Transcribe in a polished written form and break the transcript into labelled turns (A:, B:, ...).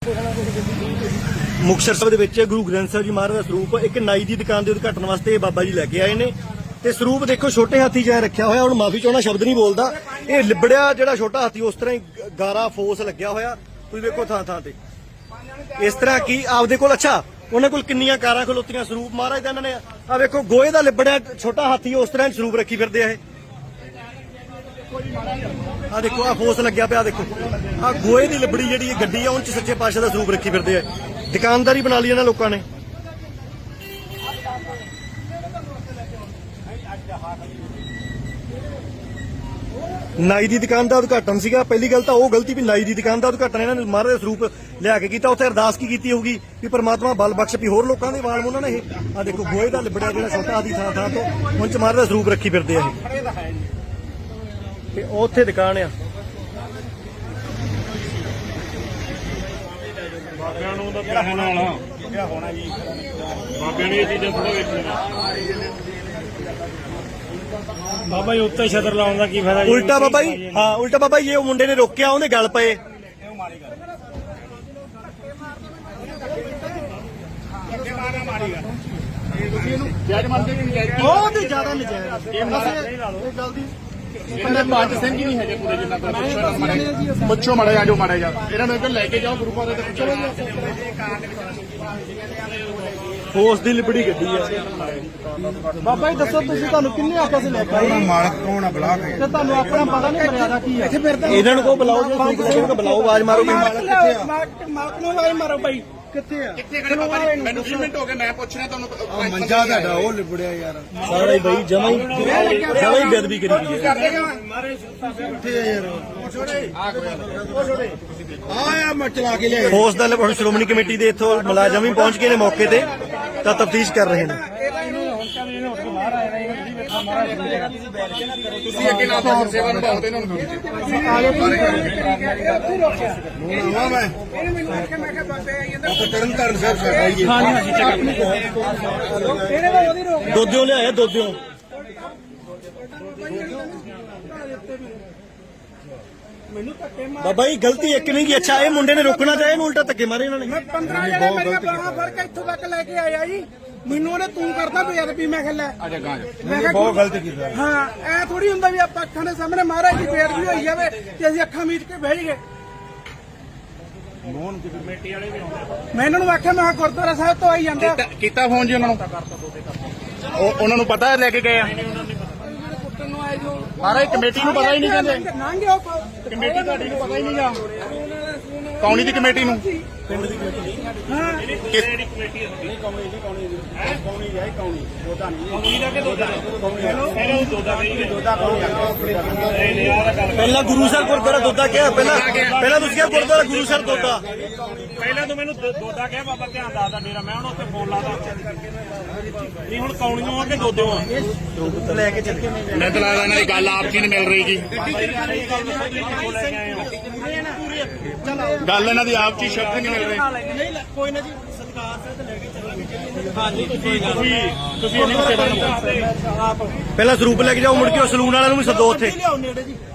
A: ਮੁਕਤਸਰ ਸਾਹਿਬ ਦੇ ਵਿੱਚ ਗੁਰੂ ਗ੍ਰੰਥ ਸਾਹਿਬ ਜੀ ਮਹਾਰਾਜ ਦਾ ਸਰੂਪ ਇੱਕ ਨਾਈ ਦੀ ਦੁਕਾਨ ਦੇ ਉਦਘਾਟਨ ਵਾਸਤੇ ਬਾਬਾ ਜੀ ਲੈ ਕੇ ਆਏ ਨੇ ਤੇ ਸਰੂਪ ਦੇਖੋ ਛੋਟੇ ਹਾਥੀ ਜਿਹਾ ਰੱਖਿਆ ਹੋਇਆ। ਹੁਣ ਮਾਫੀ ਚਾਹਣਾ ਸ਼ਬਦ ਨਹੀਂ ਬੋਲਦਾ, ਇਹ ਲਿਬੜਿਆ ਜਿਹੜਾ ਛੋਟਾ ਹਾਥੀ ਉਸ ਤਰ੍ਹਾਂ ਹੀ ਗਾਰਾ ਫੋਸ ਲੱਗਿਆ ਹੋਇਆ। ਤੁਸੀਂ ਵੇਖੋ ਥਾਂ ਥਾਂ ਤੇ ਇਸ ਤਰ੍ਹਾਂ ਕੀ ਆਪਦੇ ਕੋਲ ਅੱਛਾ ਉਹਨਾਂ ਕੋਲ ਕਿੰਨੀਆਂ ਕਾਰਾਂ ਖਲੋਤੀਆਂ ਸਰੂਪ ਮਹਾਰਾਜ ਦਾ। ਇਹਨਾਂ ਨੇ ਆ ਵੇਖੋ ਗੋਹੇ ਦਾ ਲਿਬੜਿਆ ਛੋਟਾ ਹਾਥੀ ਉਸ ਤਰ੍ਹਾਂ ਸਰੂਪ ਰੱਖੀ ਫਿਰਦੇ ਆ। ਇਹ ਆ ਦੇਖੋ ਆ ਫੋਸ ਲੱਗਿਆ ਪਿਆ, ਦੇਖੋ ਆ ਗੋਹੇ ਦੀ ਲਿਬੜੀ ਜਿਹੜੀ ਇਹ ਗੱਡੀ ਆ ਉਹ 'ਚ ਸੱਚੇ ਪਾਤਸ਼ਾਹ ਦਾ ਸਰੂਪ ਰੱਖੀ ਫਿਰਦੇ ਆ। ਦੁਕਾਨਦਾਰੀ ਬਣਾ ਲਈ ਇਹਨਾਂ ਲੋਕਾਂ ਨੇ। ਨਾਈ ਦੀ ਦੁਕਾਨ ਦਾ ਉਦਘਾਟਨ ਸੀਗਾ। ਪਹਿਲੀ ਗੱਲ ਤਾਂ ਉਹ ਗਲਤੀ ਵੀ ਨਾਈ ਦੀ ਦੁਕਾਨ ਦਾ ਉਦਘਾਟਨ ਇਹਨਾਂ ਨੇ ਮਹਾਰਾਜ ਦਾ ਸਰੂਪ ਲਿਆ ਕੇ ਕੀਤਾ। ਉੱਥੇ ਅਰਦਾਸ ਕੀ ਕੀਤੀ ਹੋਊਗੀ ਵੀ ਪਰਮਾਤਮਾ ਬਲ ਬਖਸ਼ ਵੀ ਹੋਰ ਲੋਕਾਂ ਦੇ ਵਾਲ ਉਹਨਾਂ ਨੇ ਇਹ ਆ ਦੇਖੋ ਗੋਹੇ ਦਾ ਲਿਬੜਿਆ ਜਿਹੜਾ ਛੋਟਾ ਆਦੀ ਥਾਂ ਥਾਂ ਤੋਂ ਹੁਣ ਚ ਮਹਾਰਾਜ ਦਾ ਸਰੂਪ ਰੱਖੀ ਫਿਰਦੇ ਆ ਇਹ। ਤੇ ਉੱਥੇ ਦੁਕਾਨ ਆ
B: ਬਾਬਿਆਂ ਨੂੰ ਤਾਂ ਕਹਿਣ ਵਾਲਾ ਹੋਣਾ ਜੀ। ਬਾਬਿਆਂ ਨੇ ਇਹ ਚੀਜ਼ਾਂ ਥੋੜਾ ਵੇਖਣੀਆਂ। ਬਾਬਾ ਜੀ ਉੱਤੇ ਛਤਰ ਲਾਉਣ ਦਾ ਕੀ ਫਾਇਦਾ?
A: ਉਲਟਾ ਬਾਬਾ ਜੀ, ਹਾਂ ਉਲਟਾ ਬਾਬਾ ਜੀ ਉਹ ਮੁੰਡੇ ਨੇ ਰੋਕਿਆ, ਉਹਦੇ ਗੱਲ ਪਏ। ਬਹੁਤ ਜ਼ਿਆਦਾ ਨਜਾਇਜ਼
B: ਇਹਨਾਂ ਪੰਜ ਸਿੰਘ ਹੀ ਨਹੀਂ ਹੈਗੇ ਪੂਰੇ ਜਿੰਨਾ ਪੁੱਛੋ ਮਾੜਾ ਜਾ ਜੋ ਮਾੜਾ ਜਾ ਇਹਨਾਂ ਨੂੰ ਇੱਧਰ ਲੈ ਕੇ ਜਾਓ ਗੁਰੂਆਂ ਦੇ ਪੁੱਛੋ।
A: ਫੋਰਸ ਦੀ ਲਿਬੜੀ ਗੱਡੀ ਆ। ਬਾਬਾ ਜੀ ਦੱਸੋ ਤੁਸੀਂ ਤੁਹਾਨੂੰ ਕਿੰਨੇ ਆਖਿਆ ਸੀ ਲੈ ਕੇ ਆਏ?
C: ਮਾਲਕ ਕੌਣ ਆ ਬਲਾ ਕੇ
A: ਤੇ ਤੁਹਾਨੂੰ ਆਪਣਾ ਪਤਾ ਨਹੀਂ ਮਰਿਆਦਾ ਕੀ ਹੈ? ਇਹਨਾਂ ਨੂੰ ਕੋ ਬੁਲਾਓ, ਜੇ ਤੁਸੀਂ ਕੋ ਬੁਲਾਓ, ਆਵਾਜ਼ ਮਾਰੋ।
C: ਮਾਲਕ ਨੂੰ ਆਵਾਜ਼ ਮਾਰੋ ਬਾਈ।
A: ਕਿੱਥੇ ਆ?
B: ਕਿੱਥੇ ਖੜੇ ਬਾਬਾ ਜੀ? ਮੈਨੂੰ 20 ਮਿੰਟ ਹੋ ਗਏ, ਮੈਂ ਪੁੱਛ ਰਿਹਾ ਤੁਹਾਨੂੰ।
C: ਮੰਜਾ ਤੁਹਾਡਾ ਉਹ ਲਿਬੜਿਆ ਯਾਰ
A: ਸਾਰਾ ਹੀ ਬਈ ਜਮਾ ਹੀ ਬੇਅਦਬੀ ਕਰੀ ਗਈ ਹੈ।
C: ਕਿੱਥੇ ਆ ਯਾਰ? ਆ ਮੈਂ ਚਲਾ ਕੇ ਲਿਆ।
A: ਫੋਰਸ ਦਾ ਹੁਣ ਸ਼੍ਰੋਮਣੀ ਕਮੇਟੀ ਦੇ ਇੱਥੋਂ ਮੁਲਾਜ਼ਮ ਵੀ ਪਹੁੰਚ ਗਏ ਨੇ ਮੌਕੇ ਤੇ, ਤਾਂ ਤਫਤੀਸ਼ ਕਰ ਰਹੇ ਨੇ।
B: ਤੁਸੀਂ ਅੱਗੇ ਨਾ ਤਾਂ ਸੇਵਾ ਨਿਭਾਓ ਤੇ ਇਹਨਾਂ ਨੂੰ
C: ਤਰਨ ਤਾਰਨ ਸਾਹਿਬ ਸਾਡਾ ਹੀ
A: ਦੋਦਿਓ ਲਿਆਇਆ, ਦੋਦਿਓ। ਬਾਬਾ ਜੀ ਗਲਤੀ ਇੱਕ ਨਹੀਂ ਕੀ। ਅੱਛਾ ਇਹ ਮੁੰਡੇ ਨੇ ਰੋਕਣਾ ਚਾਹਿਆ, ਇਹਨੂੰ ਉਲਟਾ ਧੱਕੇ ਮਾਰੇ ਇਹਨਾਂ ਨੇ।
D: 15 ਜਣੇ ਮੇਰੀਆਂ ਬਾਹਾਂ ਫੜ ਕੇ ਇੱਥੋਂ ਤੱਕ ਲੈ ਕੇ ਆਇਆ ਜੀ। ਮੈਨੂੰ ਉਹਨੇ ਤੂੰ ਕਰਦਾ ਬੇਅਦਬੀ। ਮੈਂ ਖਿਆ
C: ਬਹੁਤ ਗਲਤ ਕੀਤਾ।
D: ਹਾਂ ਐ ਥੋੜੀ ਹੁੰਦਾ ਵੀ ਆਪਾਂ ਅੱਖਾਂ ਦੇ ਸਾਹਮਣੇ ਮਹਾਰਾਜ ਦੀ ਬੇਅਦਬੀ ਹੋਈ ਜਾਵੇ ਤੇ ਅਸੀਂ ਅੱਖਾਂ ਮੀਚ ਕੇ ਬਹਿ ਜਾਈਏ। ਮੈਂ ਇਹਨਾਂ ਨੂੰ ਆਖਿਆ ਮੈਂ ਕਿਹਾ ਗੁਰਦੁਆਰਾ ਸਾਹਿਬ ਤੋਂ ਆਈ ਜਾਂਦਾ।
B: ਕੀਤਾ ਫੋਨ ਜੀ ਉਹਨਾਂ ਨੂੰ? ਉਹਨਾਂ ਨੂੰ ਪਤਾ ਲੈ ਕੇ ਗਏ ਆ? ਮਹਾਰਾਜ ਕਮੇਟੀ ਨੂੰ ਪਤਾ ਹੀ ਨਹੀਂ ਕਹਿੰਦੇ। ਕਮੇਟੀ ਤੁਹਾਡੀ ਨੂੰ ਪਤਾ ਹੀ ਨਹੀਂ ਆ? ਕੌਣੀ ਦੀ ਕਮੇਟੀ ਨੂੰ? ਪਿੰਡ ਦੀ ਕਮੇਟੀ। ਹਾਂ ਕਿਹੜੀ ਕਮੇਟੀ ਹੈ? ਕੌਣੀ ਦੀ ਕੌਣੀ ਦੋਦਾ ਨਹੀਂ ਦਾ ਕਿ ਦੋਦਾ ਪਹਿਲਾਂ ਦੋਦਾ ਕਹੀ ਦੋਦਾ
A: ਪਹਿਲਾਂ ਗੁਰੂ ਸਾਹਿਬ ਗੁਰਦੁਆਰਾ ਦੋਦਾ ਕਿਹਾ। ਪਹਿਲਾਂ ਤੁਸੀਂ ਕਿਹਾ ਗੁਰਦੁਆਰਾ ਗੁਰੂ ਸਾਹਿਬ ਦੋਦਾ।
B: ਪਹਿਲਾਂ ਤਾਂ ਮੈਨੂੰ ਦੋਦਾ ਕਿਹਾ। ਬਾਬਾ ਧਿਆਨ ਦੱਸਦਾ ਡੇਰਾ, ਮੈਂ ਹੁਣ ਉੱਥੇ ਫੋਨ ਲਾਦਾ। ਨਹੀਂ ਹੁਣ ਕੌਣੀਆਂ ਆ ਕਿ ਦੋਦਿਓ ਆ?
A: ਲੈ ਕੇ ਚੱਲੇ
B: ਮੈਂ ਤਾਂ ਲੱਗਦਾ ਇਹਨਾਂ ਦੀ ਗੱਲ ਆਪ ਕੀ ਨਹੀਂ ਮਿਲ ਰਹੀ ਜੀ। ਗੱਲ ਇਹਨਾਂ ਦੀ ਆਪ ਚ ਸ਼ਬਦ ਨਹੀਂ ਮਿਲ ਰਹੇ।
A: ਕੋਈ ਨਾ ਜੀ, ਸਤਿਕਾਰ ਤੇ ਲੈ ਕੇ ਚੱਲਾਂਗੇ। ਹਾਂਜੀ
B: ਤੁਸੀਂ ਇਹਨਾਂ ਨੂੰ ਸੇਵਾ ਨਿਭਾਓ।
A: ਪਹਿਲਾਂ ਸਰੂਪ ਲੈ ਕੇ ਜਾਓ, ਮੁੜ ਕੇ ਉਹ ਸਲੂਨ ਵਾਲਿਆਂ ਨੂੰ ਵੀ ਸੱਦੋ ਉੱਥੇ।
D: ਲਿਆਓ ਨੇੜੇ ਜੀ।